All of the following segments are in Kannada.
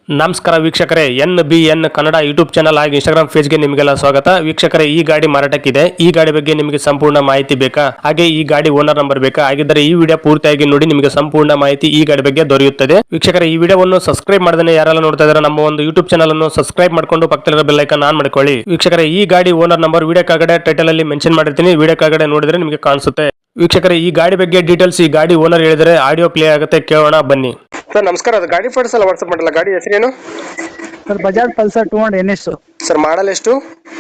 ನಮಸ್ಕಾರ ವೀಕ್ಷಕರೇ, NBN ಕನ್ನಡ ಯೂಟ್ಯೂಬ್ ಚಾನಲ್ ಹಾಗೂ ಇನ್ಸ್ಟಾಗ್ರಾಮ್ ಪೇಜ್ಗೆ ನಿಮಗೆಲ್ಲ ಸ್ವಾಗತ. ವೀಕ್ಷಕರೇ, ಈ ಗಾಡಿ ಮಾರಾಟಕ್ಕಿದೆ. ಈ ಗಾಡಿ ಬಗ್ಗೆ ನಿಮಗೆ ಸಂಪೂರ್ಣ ಮಾಹಿತಿ ಬೇಕಾ? ಹಾಗೆ ಈ ಗಾಡಿ ಓನರ್ ನಂಬರ್ ಬೇಕಾ? ಹಾಗಿದ್ದರೆ ಈ ವಿಡಿಯೋ ಪೂರ್ತಿಯಾಗಿ ನೋಡಿ, ನಿಮಗೆ ಸಂಪೂರ್ಣ ಮಾಹಿತಿ ಈ ಗಾಡಿ ಬಗ್ಗೆ ದೊರೆಯುತ್ತದೆ. ವೀಕ್ಷಕರೇ, ಈ ವಿಡಿಯೋವನ್ನು ಸಬ್ಸ್ಕ್ರೈಬ್ ಮಾಡದೇ ಯಾರೆಲ್ಲ ನೋಡ್ತಾ ಇದ್ದಾರೆ ನಮ್ಮ ಒಂದು ಯೂಟ್ಯೂಬ್ ಚಾನಲ್ ಅನ್ನು ಸಬ್ಸ್ಕ್ರೈಬ್ ಮಾಡ್ಕೊಂಡು ಪಕ್ಕದಲ್ಲಿರೋ ಬೆಲ್ ಐಕಾನ್ ಆನ್ ಮಾಡ್ಕೊಳ್ಳಿ. ವೀಕ್ಷಕರೇ, ಈ ಗಾಡಿ ಓನರ್ ನಂಬರ್ ವಿಡಿಯೋ ಕೆಳಗಡೆ ಟೈಟಲ್ ಅಲ್ಲಿ ಮೆನ್ಷನ್ ಮಾಡಿರ್ತೀನಿ, ವಿಡಿಯೋ ಕೆಳಗಡೆ ನೋಡಿದ್ರೆ ನಿಮಗೆ ಕಾಣಿಸುತ್ತೆ. ವೀಕ್ಷಕರೇ, ಈ ಗಾಡಿ ಬಗ್ಗೆ ಡೀಟೇಲ್ಸ್ ಈ ಗಾಡಿ ಓನರ್ ಹೇಳಿದರೆ ಆಡಿಯೋ ಪ್ಲೇ ಆಗುತ್ತೆ, ಕೇಳೋಣ ಬನ್ನಿ. ಸರ್ ನಮಸ್ಕಾರ, ಅದು ಗಾಡಿ ಫೋಟೋಸ್ ಎಲ್ಲ ವಾಟ್ಸ್ಆಪ್ ಮಾಡಲ್ಲ. ಗಾಡಿ ಹೆಸರೇನು sir? Bajaj Pulsar 200 NS sir? Model ಎಷ್ಟು?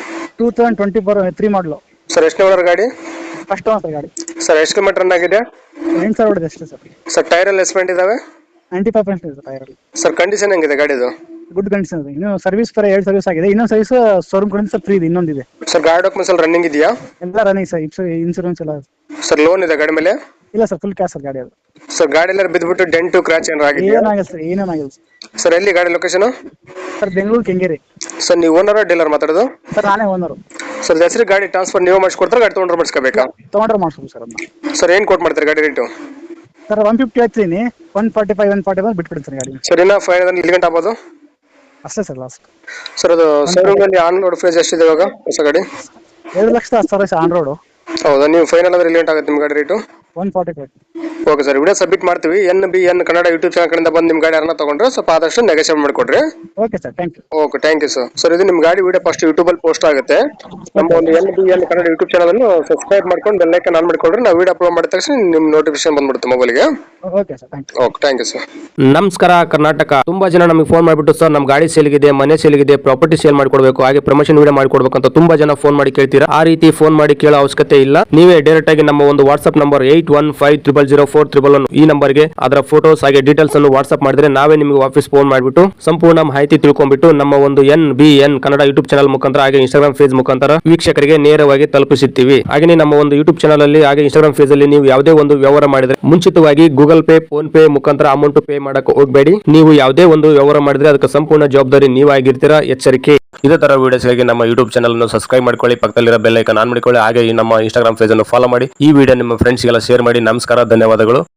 2024 3 ಮಾಡಲು ಸರ್. ಎಷ್ಟು ಓನರ್ ಗಾಡಿ? ಫಸ್ಟ್ ಓನರ್ ಗಾಡಿ. ಸರ್ ಎಷ್ಟು ಕಿಲೋಮೀಟರ್ ರನ್ ಆಗಿದೆ? 8000 ಹೊಡೆದ ಅಷ್ಟೇ ಸರ್. ಸರ್ ಟೈರ್ ಎಲ್ಲ ಎಸ್ಪೆಂಟ್ ಇದಾವೆ? 95% ಇದೆ ಟೈರ್. ಸರ್ ಕಂಡೀಷನ್ ಹೆಂಗಿದೆ ಗಾಡಿದು? ಗುಡ್ ಕಂಡೀಷನ್ ಇದೆ. ಇನ್ನು ಸರ್ವಿಸ್ ಪರ 2 ಸರ್ವಿಸ್ ಆಗಿದೆ, ಇನ್ನೊಂದು ಸರ್ವಿಸ್ ಶೋರೂಮ್ ಕಡೆಯಿಂದ ಫ್ರೀ ಇದೆ, ಇನ್ನೊಂದಿದೆ. ಸರ್ ಗಾಡಿ ಡಾಕ್ಯುಮೆಂಟ್ಸ್ ಎಲ್ಲ ರನ್ನಿಂಗ್ ಇದೆಯಾ? ಎಲ್ಲ ರನ್ನಿಂಗ್ ಸರ್, ಇನ್ಸೂರೆನ್ಸ್ ಎಲ್ಲ. ಸರ್ ಲೋನ್ ಇದೆ ಗಾಡಿ ಮೇಲೆ? ಇಲ್ಲ ಸರ್, ಫುಲ್ ಕ್ಯಾಶ್ ಸರ್ ಗಾಡಿ ಅದು. ಸರ್ ಗಾಡಿ ಎಲ್ಲ ಬಿದ್ದುಬಿಟ್ಟು ಡೆಂಟು ಕ್ರಾಚ್ ಏನಾರು ಆಗಿದೆಯಾ? ಏನಾಗಿಲ್ಲ ಸರ್, ಏನೇನಾಗಿಲ್ಲ ಸರ್. ಸರ್ ಎಲ್ಲಿ ಗಾಡಿ location? Sir Bengaluru Kengeri. Sir ನೀವು ಓನರ್ ಡೀಲರ್ ಮಾತಾಡೋದು? ಸರ್ ನಾನೇ ಓನರು. ಸರ್ ಹೆಸರು ಗಾಡಿ ಟ್ರಾನ್ಸ್ಫರ್ ನೀವು ಮಾಡಿಸ್ಕೊಡ್ತಾರೆ, ಗಾಡಿ ತೊಗೊಂಡ್ರೆ ಮಾಡಿಸ್ಕೋಬೇಕಾ? ತೊಗೊಂಡ್ರೆ ಮಾಡಿಸ್ಬೋದು ಸರ್ ಅದನ್ನ. ಸರ್ ಏನು ಕೊಟ್ಟು ಮಾಡ್ತಾರೆ ಗಾಡಿ ರೇಟು? ಸರ್ 150 ಹೇಳ್ತೀನಿ, 145 145 ಬಿಟ್ಬಿಡಿ ಸರ್ ಗಾಡಿ. ಸರ್ ಇನ್ನ 500 ಇಲ್ಲಿ ಗಂಟೆ ಆಗ್ಬೋದು ಅಷ್ಟೇ ಸರ್ ಲಾಸ್ಟ್. ಸರ್ ಅದು ಶೋರೂಮ್ ಅಲ್ಲಿ ಆನ್ ರೋಡ್ ಪ್ರೈಸ್ ಎಷ್ಟಿದೆ ಇವಾಗ ಹೊಸ ಗಾಡಿ? 2,10,000 ಆನ್ ರೋಡು. ಹೌದಾ? ನೀವು ಫೈನಲ್ ಅಂದ್ರೆ ಇಲ್ಲಿ ಗಂಟೆ ಆಗುತ್ತೆ ನಿಮ್ಮ ಗಾಡಿ rate? 145. Okay sir, video submit ಮಾಡ್ತೀವಿ. NBN ಕನ್ನಡ ಯೂಟ್ಯೂಬ್ ಚಾನಲ್ ಕಡೆಯಿಂದ ಬಂದು ನಿಮ್ಮ ಗಾಡಿ ಯಾರನ್ನ ತಗೊಂಡ್ರೆ ಸ್ವಲ್ಪ ಆದಷ್ಟು ನೆಗೋಷಿಯೇಟ್ ಮಾಡಿಕೊಡ್ರಿ. Okay sir, thank you. Okay, thank you sir. Sir ಇದು ನಿಮ್ಮ ಗಾಡಿ ವಿಡಿಯೋ ಫಸ್ಟ್ ಯೂಟ್ಯೂಬಲ್ಲಿ ಪೋಸ್ಟ್ ಆಗುತ್ತೆ. ನಮ್ಮ ಒಂದು NBN ಕನ್ನಡ ಯೂಟ್ಯೂಬ್ ಚಾನಲ್ ಅನ್ನು ಸಬ್ಸ್ಕ್ರೈಬ್ ಮಾಡ್ಕೊಂಡು ಬೆಲ್ ಐಕಾನ್ ಆನ್ ಮಾಡಿಕೊಡ್ರಿ. ನಾವು ವಿಡಿಯೋ ಅಪ್ಲೋಡ್ ಮಾಡಿದ ತಕ್ಷಣ ನಿಮ್ಮ ನೋಟಿಫಿಕೇಶನ್ ಬಂದ್ಬಿಡುತ್ತೆ ಮೊಬೈಲ್ಗೆ. Okay sir, thank you. Okay, thank you sir. ನಮಸ್ಕಾರ ಕರ್ನಾಟಕ. ತುಂಬಾ ಜನ ನಮಗೆ ಫೋನ್ ಮಾಡಿಬಿಟ್ಟು ಸರ್ ನಮ್ಮ ಗಾಡಿ ಸೇಲ್ಗಿದೆ, ಮನೆ ಸೇಲ್ಗಿದೆ, ಪ್ರಾಪರ್ಟಿ ಸೇಲ್ ಮಾಡ್ಕೊಡ್ಬೇಕು, ಹಾಗೆ ಪ್ರಮೋಷನ್ ವಿಡಿಯೋ ಮಾಡ್ಕೊಡ್ಬೇಕು ಅಂತ ತುಂಬಾ ಜನ ಫೋನ್ ಮಾಡಿ ಕೇಳ್ತೀರಾ. ಆ ರೀತಿ ಫೋನ್ ಮಾಡಿ ಕೇಳೋ ಅವಶ್ಯಕತೆ ಇಲ್ಲ. ನೀವೇ ಡೈರೆಕ್ಟ್ ಆಗಿ ನಮ್ಮ ಒಂದು ವಾಟ್ಸ್ಆಪ್ ನಂಬರ್ 81500411 ಈ ನಂಬರ್ಗೆ ಅದರ ಫೋಟೋಸ್ ಹಾಗೆ ಡೀಟೇಲ್ಸ್ ಅನ್ನು ವಾಟ್ಸ್ಆಪ್ ಮಾಡಿದ್ರೆ ನಾವೇ ನಿಮಗೆ ವಾಪಸ್ ಫೋನ್ ಮಾಡಿಬಿಟ್ಟು ಸಂಪೂರ್ಣ ಮಾಹಿತಿ ತಿಳ್ಕೊಂಡ್ಬಿಟ್ಟು ನಮ್ಮ ಒಂದು NBN ಕನ್ನಡ ಯೂಟ್ಯೂಬ್ ಚಾನಲ್ ಮುಖಾಂತರ ಹಾಗೆ ಇನ್ಸ್ಟಾಗ್ರಾಮ್ ಪೇಜ್ ಮುಖಾಂತರ ವೀಕ್ಷಕರಿಗೆ ನೇರವಾಗಿ ತಲುಪಿಸುತ್ತೀವಿ. ಹಾಗೆ ನಮ್ಮ ಒಂದು ಯೂಟ್ಯೂಬ್ ಚಾನಲ್ ಅಲ್ಲಿ ಹಾಗೆ ಇನ್ಸ್ಟಾಗ್ರಾಮ್ ಪೇಜ್ ಅಲ್ಲಿ ನೀವು ಯಾವುದೇ ಒಂದು ವ್ಯವಹಾರ ಮಾಡಿದ್ರೆ ಮುಂಚಿತವಾಗಿ ಗೂಗಲ್ ಪೇ, ಫೋನ್ ಪೇ ಮುಖಾಂತರ ಅಮೌಂಟ್ ಪೇ ಮಾಡಕ್ಕೆ ಹೋಗಬೇಡಿ. ನೀವು ಯಾವುದೇ ಒಂದು ವ್ಯವಹಾರ ಮಾಡಿದ್ರೆ ಅದಕ್ಕೆ ಸಂಪೂರ್ಣ ಜವಾಬ್ದಾರಿ ನೀವಾಗಿರ್ತೀರಾ, ಎಚ್ಚರಿಕೆ. ಇದೇ ತರ ವಿಡಿಯೋಸ್ಗಾಗಿ ನಮ್ಮ ಯೂಟ್ಯೂಬ್ ಚಾನಲ್ ಅನ್ನು ಸಬ್ಸ್ಕ್ರೈಬ್ ಮಾಡ್ಕೊಳ್ಳಿ, ಪಕ್ಕದಲ್ಲಿರೋ ಬೆಲ್ ಐಕಾನ್ ಆನ್ ಮಾಡಿಕೊಳ್ಳಿ, ಹಾಗೆ ನಮ್ಮ ಇನ್ಸ್ಟಾಗ್ರಾಮ್ ಪೇಜ್ ಅನ್ನು ಫಾಲೋ ಮಾಡಿ. ಈ ವಿಡಿಯೋ ನಿಮ್ಮ ಫ್ರೆಂಡ್ಸ್ಗೆಲ್ಲ ಶೇರ್ ಮಾಡಿ. ನಮಸ್ಕಾರ, ಧನ್ಯವಾದಗಳು.